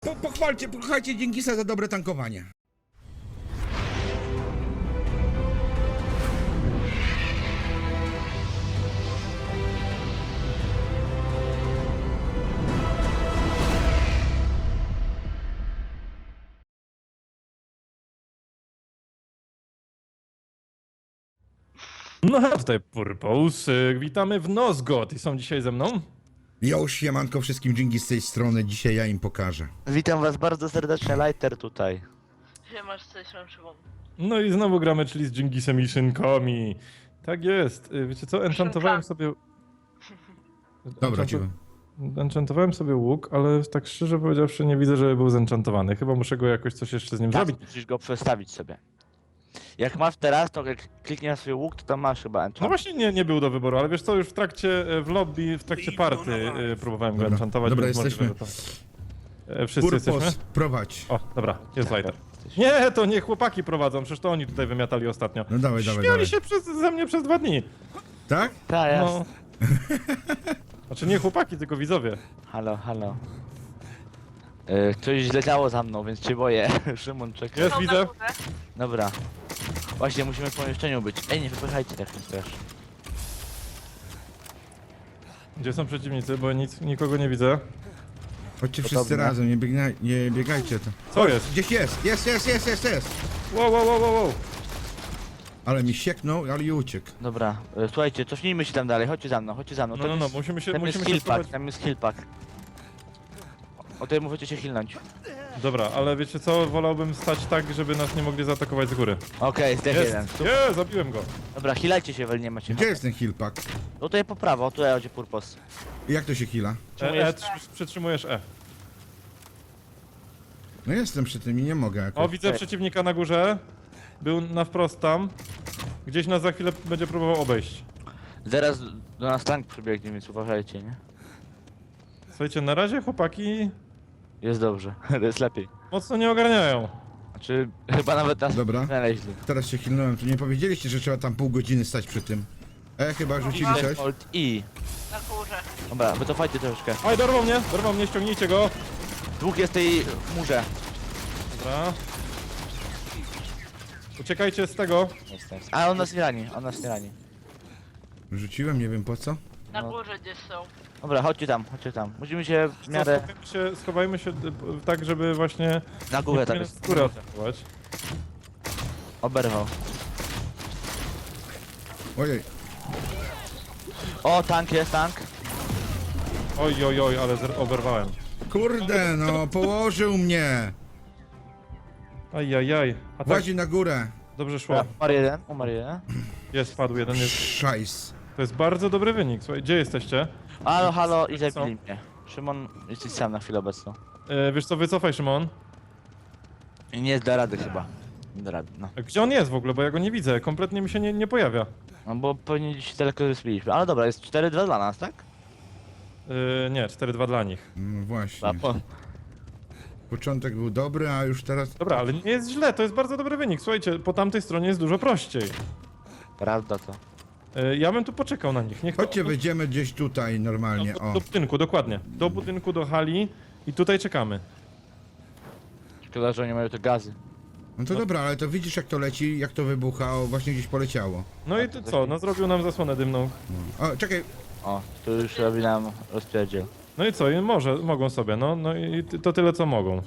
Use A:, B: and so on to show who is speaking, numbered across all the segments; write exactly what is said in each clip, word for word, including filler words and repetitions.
A: po, pochwalcie, pochwalcie Dżingisa za dobre tankowanie.
B: No hej, tutaj Purpose, witamy w Nosgoth i są dzisiaj ze mną?
A: Jo, siemanko wszystkim, Dżingis z tej strony, dzisiaj ja im pokażę.
C: Witam was bardzo serdecznie, Lighter tutaj.
D: Siemasz, coś mam Szymon.
B: No i znowu gramy, czyli z Dżingisem i szynkami. Tak jest, Y, wiecie co, enchantowałem sobie...
A: Dobra,
B: Enchantu-
A: cicho.
B: Enchantowałem sobie łuk, ale tak szczerze powiedziawszy nie widzę, żeby był zenchantowany. Chyba muszę go jakoś coś jeszcze z nim
C: Tak,
B: zrobić.
C: musisz go przestawić sobie. Jak masz teraz, to jak klikniesz na swój łuk, to tam masz chyba enchant.
B: No właśnie nie, nie był do wyboru, ale wiesz co, już w trakcie, e, w lobby, w trakcie party y, próbowałem go
A: Dobra,
B: enchantować.
A: dobra,
B: więc możliwe,
A: jesteśmy.
B: że to- E, Wszyscy jesteśmy?
A: Purpos, prowadź.
B: O, dobra, jest
C: Tak,
B: lighter.
C: jesteś.
B: Nie, to nie chłopaki prowadzą, przecież to oni tutaj wymiatali ostatnio.
A: No dawaj, dawaj,
B: Śmiali
A: dawaj.
B: się przez, ze mnie przez dwa dni.
A: Tak?
C: Tak, jest.
B: No. Znaczy nie chłopaki, tylko widzowie.
C: Halo, halo. Yy, coś źle działo za mną, więc cię boję. Szymon, czekaj.
B: Jest,
D: Są
B: widzę.
D: na górze.
C: Dobra. Właśnie, musimy w pomieszczeniu być. Ej, nie wypychajcie tak, więc też.
B: Gdzie są przeciwnicy, bo nic, nikogo nie widzę.
A: Chodźcie
C: Podobne.
A: wszyscy razem, nie, biegna, nie biegajcie to.
B: Co jest?
A: Gdzieś jest, jest, jest, jest, jest, jest.
B: Wow, wow, wow, wow, wow.
A: Ale mi sieknął, ale i uciekł.
C: Dobra, yy, słuchajcie, cofnijmy się tam dalej, chodźcie za mną, chodźcie za mną.
B: No,
C: Tam
B: no, no,
C: jest-
B: musimy się,
C: Tam jest
B: musimy się
C: heal pack,
B: schować.
C: tam jest heal pack. O tutaj możecie się healnąć.
B: Dobra, ale wiecie co, wolałbym stać tak, żeby nas nie mogli zaatakować z góry.
C: Okej, zdech jeden.
B: Jest, nie, zabiłem go.
C: Dobra, healajcie się, wel nie macie.
A: Gdzie jest ten heal pack?
C: No tutaj po prawo, tutaj będzie purpos.
A: I jak to się heala?
B: E, e, trzy- przytrzymujesz E.
A: No jestem przy tym i nie mogę
B: O,
A: jakoś.
B: widzę przeciwnika na górze. Był na wprost tam. Gdzieś nas za chwilę będzie próbował obejść.
C: Zaraz do nas tank przybiegnie, więc uważajcie, nie?
B: Słuchajcie, na razie chłopaki
C: Jest dobrze, jest lepiej.
B: mocno nie ogarniają.
C: Znaczy, chyba nawet nas
A: Dobra.
C: znaleźli.
A: Teraz się healnąłem, to nie powiedzieliście, że trzeba tam pół godziny stać przy tym. E, chyba rzucili coś.
C: Alt I.
D: Na górze.
C: Dobra, wycofajcie troszeczkę.
B: Oj, dorwał mnie, dorwał mnie, ściągnijcie go.
C: Dwóch jest w tej murze.
B: Dobra. Uciekajcie z tego.
C: Jest, jest. A on nas nie rani, on nas nie rani.
A: Rzuciłem, nie wiem po co.
D: Na
C: No.
D: górze gdzieś są.
C: Dobra, chodźcie tam, chodźcie tam. Musimy się w
B: Co,
C: miarę
B: schowajmy się, schowajmy się y, tak, żeby właśnie
C: na górę
B: nie
C: tam
B: powinien
C: jest.
B: z góry atakować.
C: Oberwał.
A: Ojej,
C: O, tank jest, tank.
B: Oj, oj, oj, ale zer- oberwałem.
A: kurde, no, położył mnie.
B: Ajajaj. A tak,
A: Włazi na górę.
B: dobrze szło.
C: Umarł jeden, umarł jeden.
B: Jest, padł jeden, jest.
A: Szajs.
B: To jest bardzo dobry wynik. Słuchaj, gdzie jesteście?
C: Halo, halo i
B: Co?
C: zabili mnie. Szymon, jesteś sam na chwilę obecną.
B: E, wiesz co, wycofaj, Szymon.
C: I nie da rady chyba. Nie da rady, no.
B: A gdzie on jest w ogóle, bo ja go nie widzę. Kompletnie mi się nie, nie pojawia.
C: No bo pewnie gdzieś daleko zbiliśmy. Ale dobra, jest cztery dwa dla nas, tak?
B: E, nie, cztery dwa dla nich.
A: No właśnie.
C: A, po...
A: Początek był dobry, a już teraz...
B: Dobra, ale nie jest źle, to jest bardzo dobry wynik. Słuchajcie, po tamtej stronie jest dużo prościej.
C: Prawda to.
B: E, ja bym tu poczekał na nich. Niech to-
A: Chodźcie, wejdziemy gdzieś tutaj normalnie,
B: do,
A: o.
B: do budynku, dokładnie. Do budynku, do hali i tutaj czekamy.
C: Szkoda, że oni mają te gazy.
A: No to dobra, ale to widzisz jak to leci, jak to wybucha, o, właśnie gdzieś poleciało.
B: No i ty co, no zrobił nam zasłonę dymną.
A: O, czekaj,
C: O, tu już robi nam rozpierdziel.
B: No i co, i może, mogą sobie, no, no i ty- to tyle co mogą.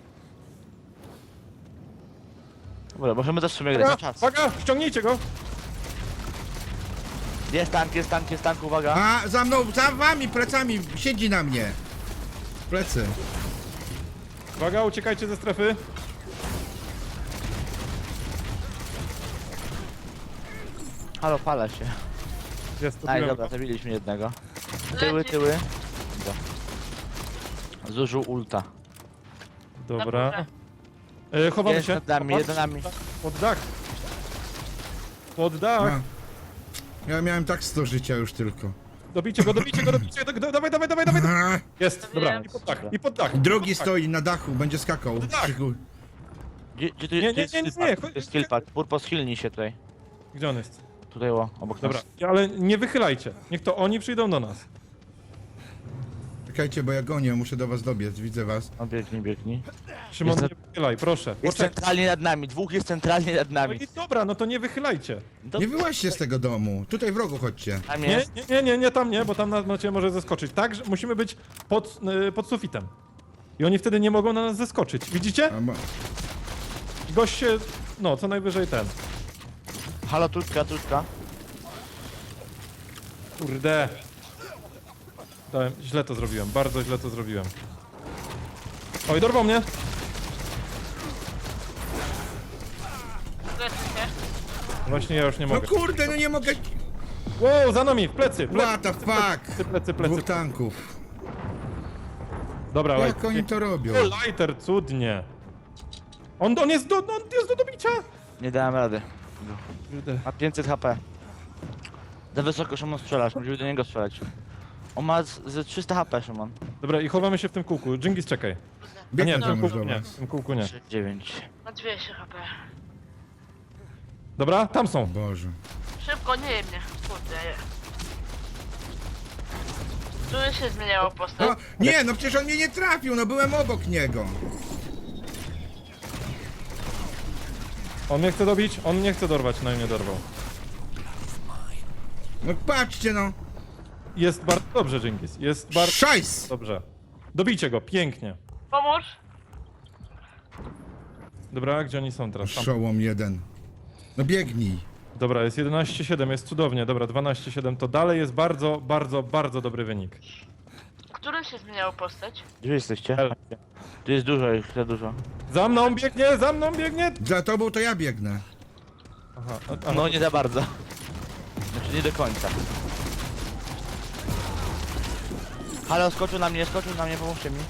C: Dobra, możemy też w sumie grać na czas.
B: Uwaga, ściągnijcie go!
C: Jest tank, jest tank, jest tank, uwaga.
A: a za mną, za wami, plecami, siedzi na mnie. Plecy.
B: Uwaga, uciekajcie ze strefy.
C: Halo, pala się.
B: Jest, to
C: Aj,
B: biłem
C: dobra,
B: go.
C: zabiliśmy jednego. Tyły,
D: Leci.
C: tyły. Dobra. Zużył ulta.
B: Dobra. E, chowamy
C: Jest
B: się.
C: nad nami,
B: Popatrz.
C: jeden nami.
B: Pod dach. Pod dach.
A: A. Ja miałem tak sto życia już tylko.
B: Dobijcie go, dobijcie go, dobijcie go. do- Dawaj, dawaj, dawaj, dawaj.
A: A,
B: Jest, dobra.
D: Wiem.
B: I pod dach, i pod dach.
A: drugi
B: pod dach.
A: stoi na dachu, będzie skakał.
B: Tak.
A: Krzyku.
C: Gdzie, gdzie tu
B: Nie,
C: jest,
B: nie,
C: gdzie jest
B: nie, nie,
C: skill pack?
B: chodź-
C: To jest skill pack. Purpos healnij się tutaj.
B: Gdzie on jest?
C: Tutaj o, obok
B: Dobra,
C: nas.
B: ale nie wychylajcie. Niech to oni przyjdą do nas.
A: Czekajcie, bo ja gonię, muszę do was dobiec, widzę was.
C: No biegnij, biegnij.
B: Szymon,
C: Jest-
B: nie wychylaj, proszę.
C: Jest
B: Poczekaj.
C: centralnie nad nami, dwóch jest centralnie nad
B: No
C: nami.
B: i dobra, no to nie wychylajcie.
C: To...
A: Nie wyłaźcie z tego domu, tutaj w rogu chodźcie.
C: Tam
B: Nie,
C: jest.
B: nie, nie, nie, nie tam nie, bo tam na, na ciebie może zeskoczyć. Tak, że musimy być pod, y, pod sufitem. I oni wtedy nie mogą na nas zeskoczyć. Widzicie?
A: A, ma...
B: Gość się, no, co najwyżej ten.
C: Halo, tutka, tutka.
B: Kurde. Dałem, źle to zrobiłem, bardzo źle to zrobiłem. Oj, dorwał mnie.
D: Lecę się.
B: Właśnie ja już nie
A: No
B: mogę.
A: kurde, no nie mogę...
B: Wow, za nami, w plecy, plecy,
A: What the fuck?
B: plecy, plecy, plecy.
A: Dwóch tanków.
B: Dobra,
A: Jak
B: lighter.
A: oni to robią?
B: O, lighter, cudnie. On, on jest do, on jest do dobicia.
C: Nie dałem rady.
B: Kurde.
C: Ma pięćset H P. Za wysoko Szymon strzelasz, musimy do niego strzelać. On ma z, z trzysta H P, Szymon.
B: Dobra, i chowamy się w tym kółku. Dżingis, czekaj. A nie,
A: Biegnę
B: w
A: tam
B: tym
A: już
B: kółku
A: do
B: nie,
A: was.
B: w tym kółku nie.
C: trzy dziewięć.
D: Ma dwieście H P.
B: Dobra, tam są.
A: Boże.
D: Szybko, nie je mnie. Kurde, je. Tu się zmieniało postać.
A: No, nie, no przecież on mnie nie trafił, no byłem obok niego.
B: On mnie chce dobić, on nie chce dorwać, no i mnie dorwał.
A: No patrzcie no.
B: Jest bardzo dobrze, Dżingis. Jest bardzo
A: Szajs!
B: dobrze. Dobijcie go, pięknie.
D: Pomóż.
B: Dobra, gdzie oni są teraz? Tam.
A: Szołom jeden. No biegnij.
B: Dobra, jest jedenaście siedem, jest cudownie. Dobra, dwanaście siedem to dalej jest bardzo, bardzo, bardzo dobry wynik.
D: Którym się zmieniało postać?
C: Gdzie jesteście?
B: L.
C: Tu jest dużo ich, za dużo.
B: Za mną biegnie, za mną biegnie!
A: Za tobą to ja biegnę.
B: Aha, a, a,
C: No nie za bardzo. Znaczy nie do końca. Halo, skoczył na mnie, skoczył na mnie, pomóżcie mi.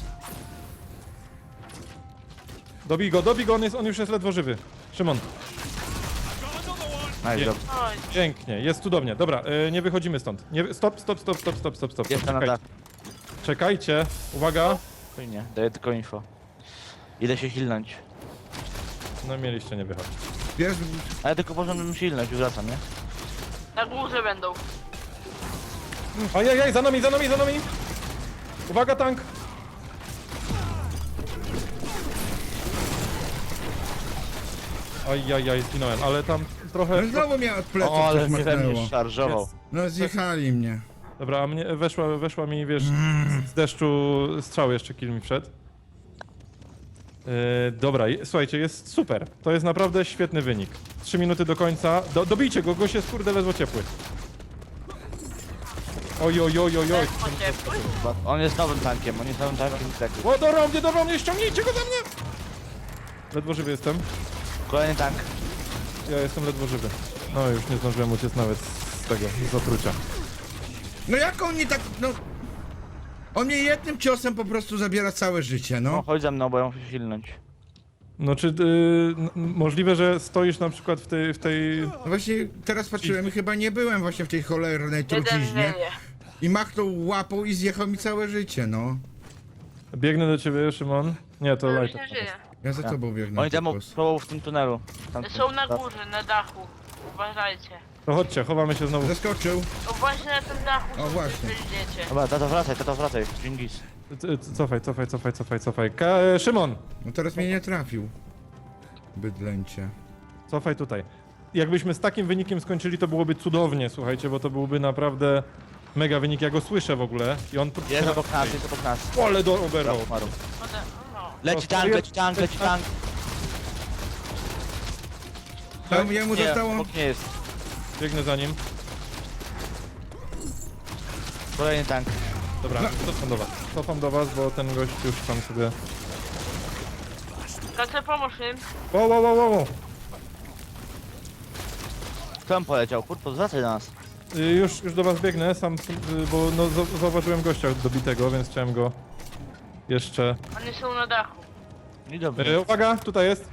B: dobij go, dobij go, on, jest, on już jest ledwo żywy. Szymon,
C: No i
B: Nie.
C: dobrze.
D: Oj,
B: pięknie, jest cudownie. Dobra, y, nie wychodzimy stąd. Nie, stop, stop, stop, stop, stop, stop, stop.
C: Jestem na
B: Czekajcie,
C: dachu.
B: czekajcie, uwaga.
C: Spokojnie, daję tylko info. Idę się hilnąć.
B: No mieliście nie wychodzić.
A: Jest...
C: Ale tylko możemy silność, już wracam, nie?
D: na górze będą.
B: Ajajaj, za nami, za nami, za nami! Uwaga, tank! Ajajaj, zginąłem, ale tam trochę...
A: No znowu mnie od pleców
C: O, ale
A: coś
C: mnie we mnie
A: machnęło.
C: szarżował.
A: No zjechali mnie.
B: Dobra, a mnie weszła, weszła mi, wiesz, z deszczu strzał jeszcze kill mi wszedł. Yy, dobra, je- słuchajcie, jest super. To jest naprawdę świetny wynik. Trzy minuty do końca. Do, dobijcie go, gość jest kurde ledwo ciepły. Oj, oj, oj, oj, oj.
D: Ledwo ciepły.
C: On jest nowym tankiem, on jest nowym tankiem tak.
B: O, dorwał mnie, dorwał mnie, ściągnijcie go za mnie! Ledwo żywy jestem.
C: Kolejny tank.
B: Ja jestem ledwo żywy. No już nie zdążyłem uciec nawet z tego, z zatrucia.
A: No jak on nie tak... No... On mnie jednym ciosem po prostu zabiera całe życie,
C: No
A: no.
C: chodź za mną, bo ja muszę się hilnąć.
B: No czy yy, n- możliwe, że stoisz na przykład w tej, w tej...
A: No właśnie teraz patrzyłem i chyba nie byłem właśnie w tej cholernej
D: Jeden
A: truciźnie.
D: wieje.
A: I machnął łapą i zjechał mi całe życie, no.
B: Biegnę do ciebie, Szymon. Nie, to
D: To już
B: lighter.
D: nie żyje.
A: Ja za
B: Tak.
A: tobą biegnę.
C: Oni tam
A: Typos.
C: są w tym tunelu. Tam,
D: Są na górze, na dachu. Uważajcie.
B: To chodźcie, chowamy się znowu.
A: Zaskoczył.
D: O właśnie na tym dachu.
A: O,
D: są,
A: właśnie.
D: gdzie idziecie.
C: Dobra, tato wracaj, tato wracaj. Dżingis.
B: C- c- Cofaj, cofaj, cofaj, cofaj, cofaj. Ka e, Szymon!
A: No teraz mnie nie trafił. Bydlęcie.
B: Cofaj tutaj. Jakbyśmy z takim wynikiem skończyli, to byłoby cudownie, słuchajcie, bo to byłby naprawdę mega wynik. Ja go słyszę w ogóle i on...
C: Jest obok nas, jest obok nas.
B: Ole do oberwał.
C: Umarł.
D: Ode- No.
C: Leci tank, leci tank, leci tank.
A: Tam jemu
C: Nie,
A: zostało...
C: obok nie jest.
B: Biegnę za nim.
C: Kolejny tank.
B: Dobra, cofam do was. Cofam do was, bo ten gość już tam sobie...
D: Kace, pomóż im.
B: Wow, wow, wow, wow.
C: Kto tam poleciał? Kurwa, zwracaj do nas.
B: Y, Już, już do was biegnę, sam, y, bo no, za- zauważyłem gościa dobitego, więc chciałem go jeszcze...
D: Oni są na dachu.
C: I dobrze.
B: Y, Uwaga, tutaj jest.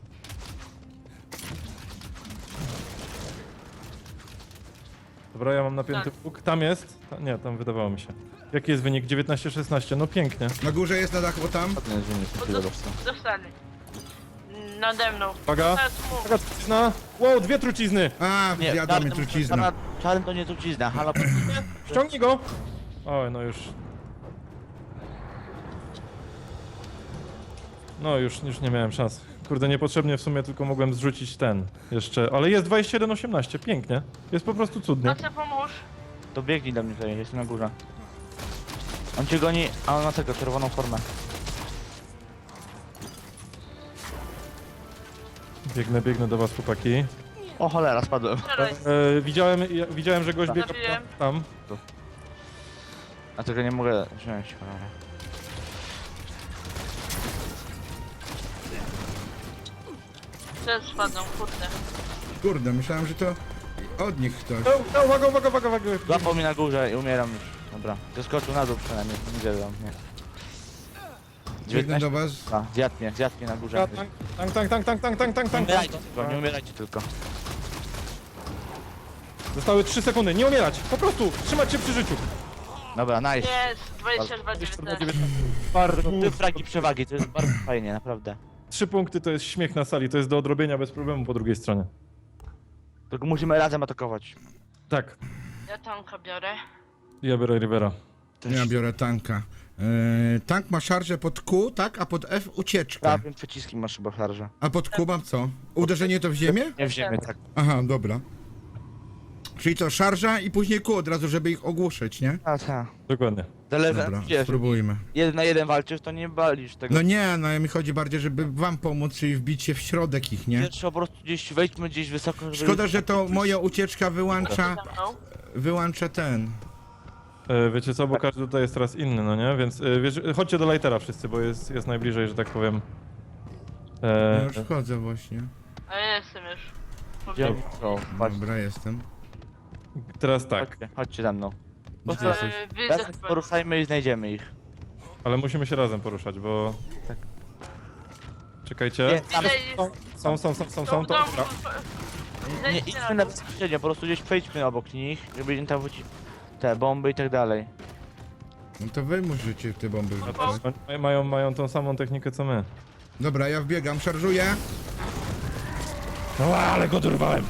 B: Dobra, ja mam napięty
D: Tak.
B: łuk. Tam jest. Ta, nie, tam wydawało mi się. Jaki jest wynik? dziewiętnaście szesnaście. No pięknie.
A: Na górze jest na dachu, o tam.
C: Ten jest wynik,
D: Bo
C: chwilę
D: dos-
C: dostał.
D: dostali. Nade mną.
B: Uwaga.
D: Teraz mów.
B: Uwaga, trucizna. Wow, dwie trucizny.
A: A,
C: Nie,
A: zjadła mnie
C: czarny,
A: trucizna.
C: czarna- czarny to nie trucizna, halo.
B: Ściągnij go. Oj, no już. No już, już nie miałem szans. Kurde, niepotrzebnie w sumie tylko mogłem zrzucić ten jeszcze, ale jest dwadzieścia jeden osiemnaście, pięknie. Jest po prostu cudnie.
D: No co pomóż?
C: To biegnij do mnie tutaj, jestem na górze. On cię goni, a on ma tego, czerwoną formę.
B: Biegnę, biegnę do was, chłopaki.
C: O cholera, spadłem.
D: Strzelaj.
B: E, widziałem, ja, widziałem, że gość biega
D: Zabiłem.
B: tam.
C: A tego nie mogę wziąć, cholera.
D: Też spadną, kurde.
A: Kurde, myślałem, że to od nich ktoś.
B: No, no, uwaga, uwaga, uwaga, uwaga.
C: Złapał mnie na górze i umieram już. Dobra, zeskoczył na dół przynajmniej, nie zjadł mnie.
A: Biegnę do was.
C: A, zjadł mnie, zjadł mnie na górze.
B: Tank, tank, tank, tank, tank, tank, tank,
C: Nie
B: tank.
C: umierajcie tylko, nie umierajcie tylko.
B: Zostały trzy sekundy, nie umierać, po prostu trzymać się przy życiu.
C: Dobra, nice.
D: Jest, dwadzieścia dwa dziewiętnaście.
B: Bardzo.
C: Ty fragi przewagi, to jest bardzo fajnie, naprawdę.
B: Trzy punkty to jest śmiech na sali, to jest do odrobienia bez problemu po drugiej stronie.
C: Tylko musimy razem atakować.
B: Tak,
D: Ja tanka biorę.
B: ja biorę Rivera.
A: Ja biorę tanka. Yy, tank ma szarżę pod Q, tak? A pod F ucieczkę.
C: Prawym przyciskiem masz chyba szarżę.
A: A pod Q mam co? Uderzenie to w ziemię?
C: Nie w ziemię, tak.
A: Aha, dobra. Czyli co, szarża i później Q od razu, żeby ich ogłuszyć, nie?
C: A, tak.
B: Dokładnie.
C: Zależy,
A: Dobra,
C: wiesz,
A: spróbujmy.
C: jeden na jeden walczysz, to nie balisz tego.
A: No nie, no mi chodzi bardziej, żeby wam pomóc, czyli wbić się w środek ich, nie?
C: Pierwszy po prostu gdzieś wejdźmy gdzieś wysoko, żeby...
A: Szkoda, że to moja ucieczka wyłącza,
D: Za mną.
A: wyłącza ten.
B: E, wiecie co, bo każdy tutaj jest teraz inny, no nie? Więc e, wiesz, chodźcie do lightera wszyscy, bo jest, jest najbliżej, że tak powiem.
A: Ja
B: E,
A: już wchodzę właśnie.
D: A ja jestem już.
C: Gdzie
D: Powiem.
C: oni są? Patrz,
A: Dobra, jestem.
B: teraz tak,
C: chodźcie, chodźcie za mną. Po
A: Gdzie
C: prostu
A: jesteś?
D: E, Widzę
C: razem poruszajmy i znajdziemy ich.
B: ale musimy się razem poruszać, bo...
C: Tak.
B: Czekajcie.
C: Nie, tam,
D: Ile jest?
B: Są, są, są, są,
D: Są
B: są,
D: w
B: to...
D: domu.
B: dobra.
C: nie
D: Zejdźcie
C: idźmy
D: na
C: na
D: dół.
C: bezpośrednio, po prostu gdzieś przejdźmy obok nich, żeby im tam wrócić te bomby i tak dalej.
A: No to wy musicie te bomby
B: No
A: rzucać.
B: to oni mają, mają tą samą technikę co my.
A: Dobra, ja wbiegam, szarżuję.
B: No ale go dorwałem!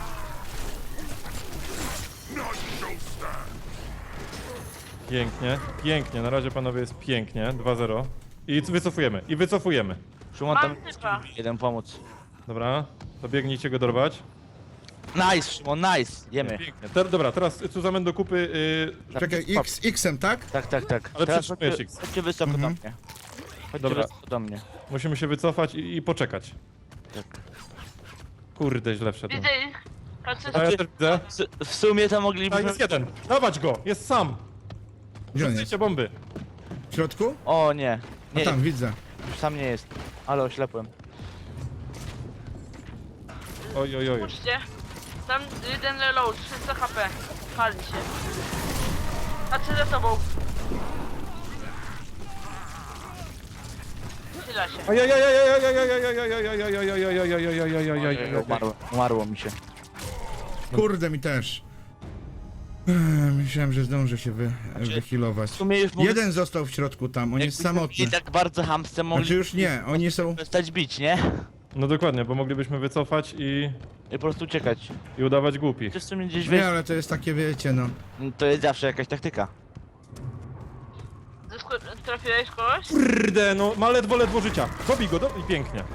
B: Pięknie, pięknie, na razie panowie jest pięknie, dwa zero. I wycofujemy, i wycofujemy.
C: Szymon
D: Mam
C: tam
D: typa.
C: jeden pomóc.
B: Dobra, to biegnijcie go dorwać.
C: Nice, Szymon, nice, jemy.
B: Pięknie. Te, dobra, teraz Cuzamen do kupy... Yy,
A: Czekaj, X, X-em, tak?
C: Tak, tak, tak.
B: Ale
C: Teraz
B: przytrzymujesz
C: chodźcie,
B: ich.
C: chodźcie wysoko
A: Mhm.
C: do mnie. Chodźcie
B: Dobra.
C: wysoko do mnie.
B: musimy się wycofać i, i poczekać.
C: Tak.
B: Kurde, źle wszedłem.
D: Widzę ich. Patrzę,
B: A ja też widzę.
C: W, w sumie to
B: A,
C: moglibyśmy...
B: jest jeden, dawać go, jest sam.
A: Gdzie on jest?
B: Rzucajcie bomby.
A: W środku?
C: O nie,
A: A
C: nie,
A: tam, widzę.
C: już sam nie jest. Ale oślepłem.
B: Oj, oj, oj.
D: puśćcie. Tam jeden reload, trzysta H P. Pali się. Patrzę za sobą. Chyla się.
C: Umarło, umarło mi się.
A: Kurde, mi też. Ech, Myślałem, że zdążę się wy, wyhealować.
C: W sumie już mogli...
A: Jeden został w środku tam, on jest
C: jakbyśmy
A: samotny.
C: byli tak bardzo hamsce
A: Znaczy
C: mogli
A: już nie, oni są...
C: przestać bić, nie?
B: No dokładnie, bo moglibyśmy wycofać i,
C: I po prostu uciekać.
B: i udawać głupich.
C: Czy w sumie gdzieś
A: Nie,
C: wejść,
A: ale to jest takie, wiecie, no.
C: to jest zawsze jakaś taktyka.
D: Zesko- Trafiłeś kogoś?
B: Kurde, no ma ledwo, ledwo życia. Dobij go, do... i pięknie.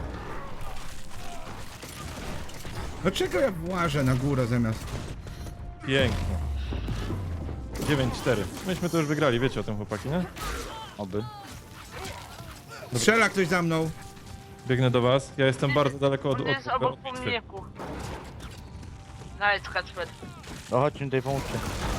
A: Dlaczego ja włażę na górę zamiast...
B: Pięknie. dziewięć cztery. Myśmy to już wygrali, wiecie o tym, chłopaki, nie?
C: Oby.
A: Strzela ktoś za mną.
B: Biegnę do was. Ja jestem bardzo daleko od...
D: On
B: od,
D: jest
B: od,
D: obok
B: od bitwy.
D: pomniku. Nice, Kacper.
C: No chodźmy tutaj, pomóżcie.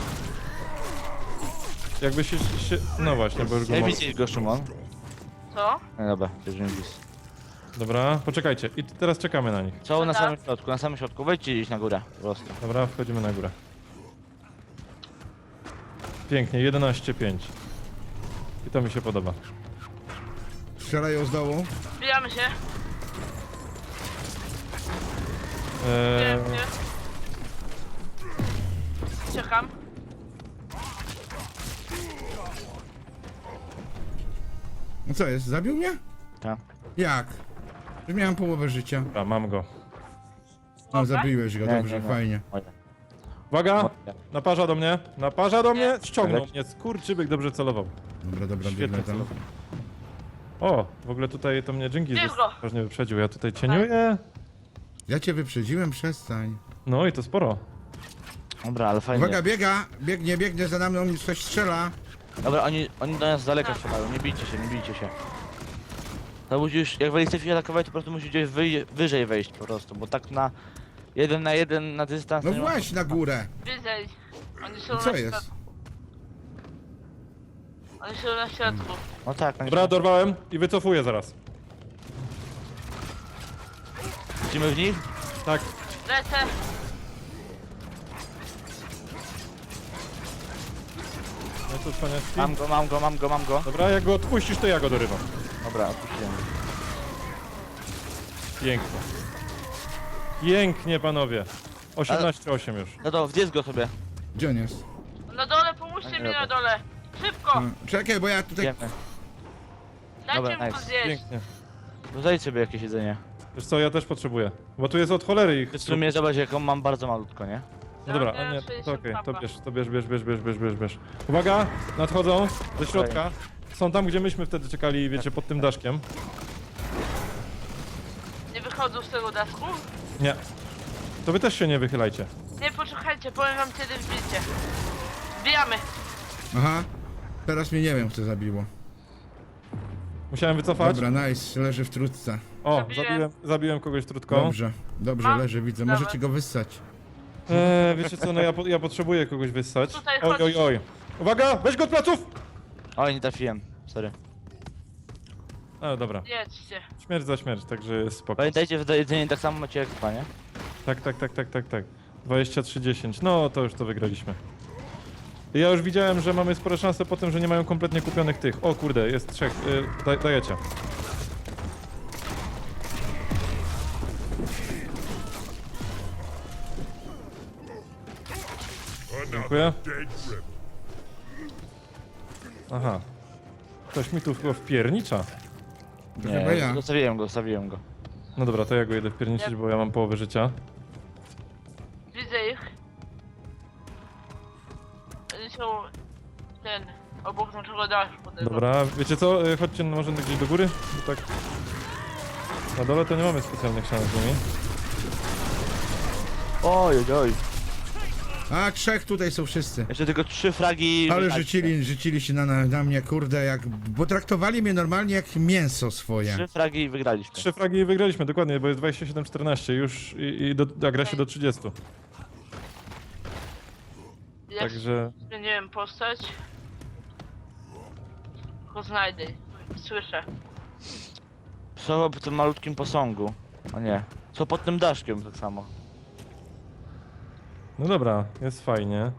B: Jakby się, się... No właśnie, bo już go
C: Nie
B: mam.
C: widzisz go, Szymon?
D: Co?
C: No dobra, już nie widzisz.
B: Dobra, poczekajcie. I teraz czekamy na nich.
C: Co na
D: Dobra.
C: samym środku, na samym środku, wejdźcie gdzieś na górę, po prostu.
B: Dobra, wchodzimy na górę. Pięknie, jedenaście pięć. I to mi się podoba.
A: Strzelają z dołu.
D: Wbijamy się.
B: Eee,
D: Wbijamy się. Czekam.
A: No co jest, zabił mnie?
C: Tak.
A: Jak? Już miałem połowę życia.
B: dobra, mam go.
A: No, zabiłeś go,
C: Nie,
A: dobrze,
C: nie, nie.
A: fajnie.
C: Moje.
B: Uwaga!
C: Moje.
B: Naparza do mnie, naparza do mnie, ściągnął
C: Leci.
B: mnie, skurczybyk dobrze celował.
A: Dobra, dobra,
B: Świetnie
A: biegnę tam.
B: celował. O, w ogóle tutaj to mnie Dżingis
D: Bierz go.
B: ważnie wyprzedził. Ja tutaj cieniuję.
A: Ja cię wyprzedziłem, przestań.
B: No i to sporo.
C: Dobra, ale fajnie.
A: Uwaga, biega, biegnie, biegnie za nami, on mi coś strzela.
C: Dobra, oni, oni do nas z daleka strzelają, nie bijcie się, nie bijcie się. To musisz, jak wejdziecie się atakować, to po prostu musisz gdzieś wyj wyżej wejść po prostu, bo tak na jeden na jeden na dystans...
A: No
C: to nie ma-
A: właśnie na górę.
D: Widzę. Oni są
A: I co
D: na
A: jest?
D: środku. Oni są na środku.
C: No tak, no
B: Dobra, dorwałem i wycofuję zaraz.
C: Lecimy w nich?
B: Tak.
D: Lecę.
B: No to cwaniaczki.
C: Mam go, mam go, mam go, mam go.
B: Dobra, jak go odpuścisz, to ja go dorywam.
C: Dobra, odpuściłem.
B: Pięknie. Pięknie, panowie. osiemnaście osiem już.
C: No to wdziec go sobie.
A: Gdzie on jest?
D: Na dole, pomóżcie mi na dole. Szybko.
A: No, czekaj, bo ja tutaj...
C: Idziemy.
D: Dajcie
C: Dobra,
D: mu to
C: nice.
D: zjeść.
B: Pięknie.
C: No zajdź sobie jakieś jedzenie.
B: Wiesz co, ja też potrzebuję. Bo tu jest od cholery ich.
C: W sumie zobacz, jaką mam bardzo malutko, nie?
B: No dobra, a nie, to okej, to bierz, to bierz, bierz, bierz, bierz, bierz, bierz, bierz. Uwaga, nadchodzą ze środka. Są tam, gdzie myśmy wtedy czekali, wiecie, pod tym daszkiem.
D: Nie wychodzą z tego dasku?
B: Nie. To wy też się nie wychylajcie.
D: Nie, poczekajcie, powiem wam kiedy wbicie. Wbijamy.
A: Aha. Teraz mnie nie wiem, co zabiło.
B: Musiałem wycofać.
A: Dobra, nice, leży w trutce.
B: O,
D: Zabiłem.
B: zabiłem, zabiłem kogoś trutką.
A: Dobrze, dobrze,
D: Mam.
A: leży, widzę.
D: Dawaj.
A: Możecie go wyssać.
B: Eee, wiecie co, no ja, po, ja potrzebuję kogoś wyssać.
D: Tutaj
B: Oj,
D: chodź.
B: oj, oj. Uwaga, weź go od pleców!
C: Oj, nie trafiłem. Sorry.
B: Ale dobra,
D: Jedźcie.
B: śmierć za śmierć, także jest spoko.
C: Pamiętajcie, że jedzenie tak samo macie jak dwa, nie?
B: Tak, tak, tak, tak, tak, tak. dwadzieścia trzy dziesięć, no to już to wygraliśmy. Ja już widziałem, że mamy spore szanse po tym, że nie mają kompletnie kupionych tych. O kurde, jest trzech, y, daj, dajecie. Dziękuję. Aha. Ktoś mi tu chyba wpiernicza.
A: To chyba ja.
C: Zostawiłem go, zostawiłem go.
B: No dobra, to ja go jedę wpierniczyć, bo ja mam połowę życia.
D: Widzę ich. Oni są... ten... obok naszego daszu. podejrzewam.
B: Dobra, wiecie co? Y, Chodźcie no, może gdzieś do góry, bo tak... Na dole to nie mamy specjalnych szans z nimi.
C: Oj, oj, oj.
A: A, trzech tutaj są wszyscy.
C: Jeszcze tylko trzy fragi...
A: Ale
C: wydaliście.
A: rzucili, rzucili się na, na, na mnie, kurde, jak... Bo traktowali mnie normalnie jak mięso swoje.
C: Trzy fragi i wygraliśmy.
B: Trzy fragi i wygraliśmy, dokładnie, bo jest dwadzieścia siedem czternaście już i, i do, a gra się do trzydziestu.
D: Jak
B: Także...
D: zmieniłem postać... Tylko znajdę. Słyszę.
C: Co po tym malutkim posągu? O nie. Co pod tym daszkiem tak samo.
B: No dobra, jest fajnie.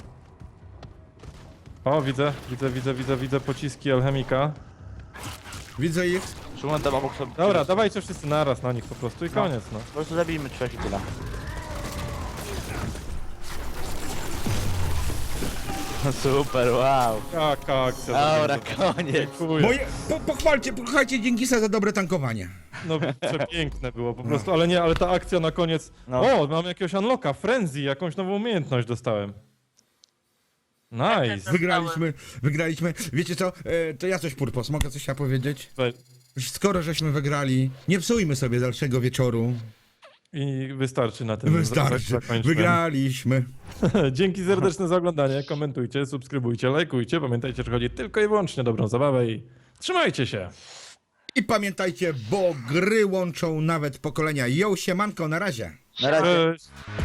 B: O, widzę, widzę, widzę, widzę, widzę pociski alchemika.
A: Widzę ich.
C: Szumon tam obok sobie...
B: Dobra, dawajcie wszyscy naraz na nich po prostu i koniec, no.
C: Po prostu zabijmy trzech i tyle. Super, wow.
B: Jaka akcja.
C: Dobra,
B: dobra.
C: koniec.
B: Dziękuję.
A: Moje... Po, pochwalcie, pochwalcie Dziękisa za dobre tankowanie.
B: No przepiękne było po prostu, ale nie, ale ta akcja na koniec...
C: No.
B: O, mam jakiegoś unlocka, frenzy, jakąś nową umiejętność dostałem. Nice.
A: Wygraliśmy, wygraliśmy. Wiecie co, e, to ja coś purpos, mogę coś ja powiedzieć?
B: We-
A: Skoro żeśmy wygrali, nie psujmy sobie dalszego wieczoru.
B: I wystarczy na tym.
A: Wystarczy,
B: zakończmy.
A: wygraliśmy.
B: Dzięki serdeczne za oglądanie, komentujcie, subskrybujcie, lajkujcie. Pamiętajcie, że chodzi tylko i wyłącznie o dobrą zabawę i trzymajcie się.
A: I pamiętajcie, bo gry łączą nawet pokolenia. Yo, siemanko, na razie.
C: Na razie.
B: Cześć.